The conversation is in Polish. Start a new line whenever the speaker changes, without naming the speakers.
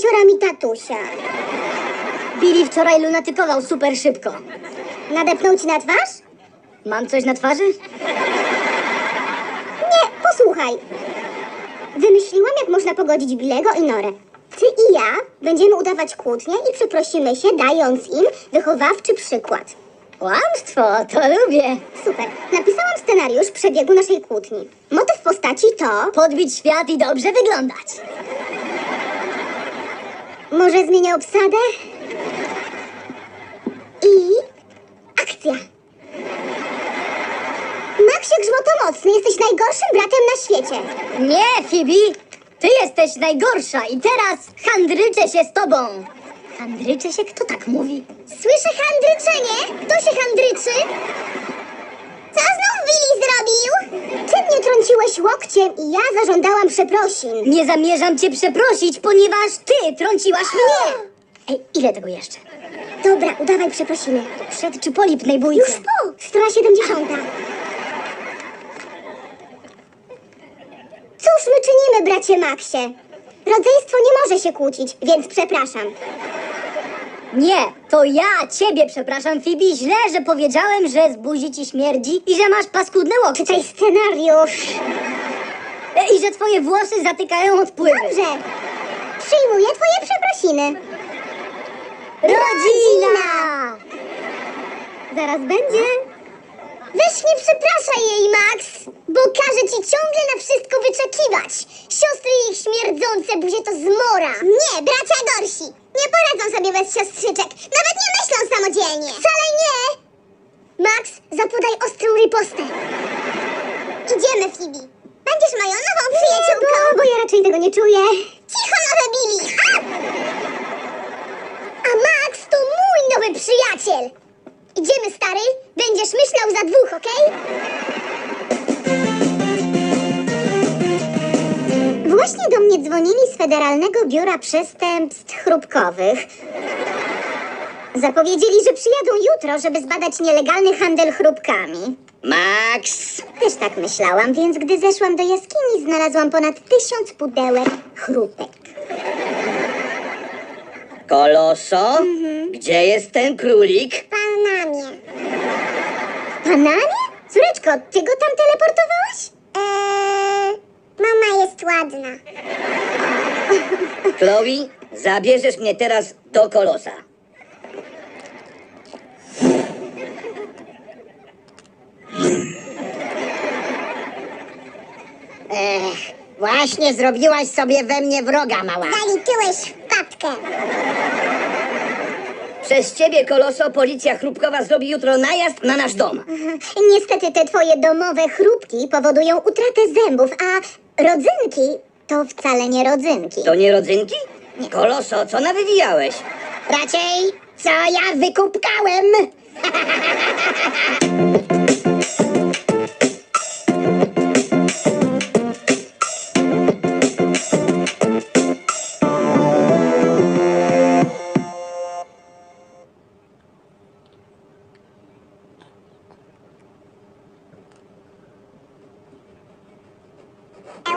kąpieliściorami tatusia.
Billy wczoraj lunatykował super szybko.
Nadepnął ci na twarz?
Mam coś na twarzy?
Nie, posłuchaj. Wymyśliłam, jak można pogodzić Billego i Norę. Ty i ja będziemy udawać kłótnię i przeprosimy się, dając im wychowawczy przykład.
Kłamstwo, to lubię.
Super. Napisałam scenariusz przebiegu naszej kłótni. Motyw postaci to...
Podbić świat i dobrze wyglądać.
Może zmienię obsadę? I... akcja. Maxie Grzmotomocny, jesteś najgorszym bratem na świecie.
Nie, Phoebe! Ty jesteś najgorsza i teraz handryczę się z tobą. Handryczę się? Kto tak mówi?
Słyszę handryczenie? Kto się handryczy? Co znów Billy zrobił? Ty mnie trąciłeś łokciem i ja zażądałam przeprosin.
Nie zamierzam cię przeprosić, ponieważ ty trąciłaś mnie. Ej, ile tego jeszcze?
Dobra, udawaj przeprosiny.
Przed czy po lipnej bójce?
Już po! Strona 70. Cóż my czynimy, bracie Maxie? Rodzeństwo nie może się kłócić, więc przepraszam.
Nie, to ja ciebie przepraszam, Phoebe. Źle, że powiedziałem, że z buzi ci śmierdzi i że masz paskudne łokcie.
Czytaj scenariusz.
I że twoje włosy zatykają odpływy.
Dobrze. Przyjmuję twoje przeprosiny.
Rodzina!
Zaraz będzie. Weź nie przepraszaj jej, Max, bo każe ci ciągle na wszystko wyczekiwać. Siostry i ich śmierdzące buzie to zmora. Nie, bracia gorsi. Nie poradzą sobie bez siostrzyczek. Nawet nie myślą samodzielnie. Wcale nie. Max, zapodaj ostrą ripostę. Idziemy, Phoebe. Będziesz moją nową przyjaciółką. Bo ja raczej tego nie czuję. Cicho, nowe Billy. A Max to mój nowy przyjaciel. Idziemy, stary. Będziesz myślał za dwóch, okej? Właśnie do mnie dzwonili z Federalnego Biura Przestępstw Chrupkowych. Zapowiedzieli, że przyjadą jutro, żeby zbadać nielegalny handel chrupkami.
Max!
Też tak myślałam, więc gdy zeszłam do jaskini, znalazłam ponad 1000 pudełek chrupek.
Koloso? Gdzie jest ten królik?
W Panamie. W Panamie? Córeczko, ty go tam teleportowałaś? Mama jest ładna.
Chloe, zabierzesz mnie teraz do Kolosa.
Właśnie zrobiłaś sobie we mnie wroga, mała.
Zaliczyłeś wpadkę.
Przez ciebie, Koloso, policja chrupkowa zrobi jutro najazd na nasz dom.
Niestety te twoje domowe chrupki powodują utratę zębów, a rodzynki to wcale nie rodzynki.
To nie rodzynki? Koloso, co nawywijałeś?
Raczej, co ja wykupkałem?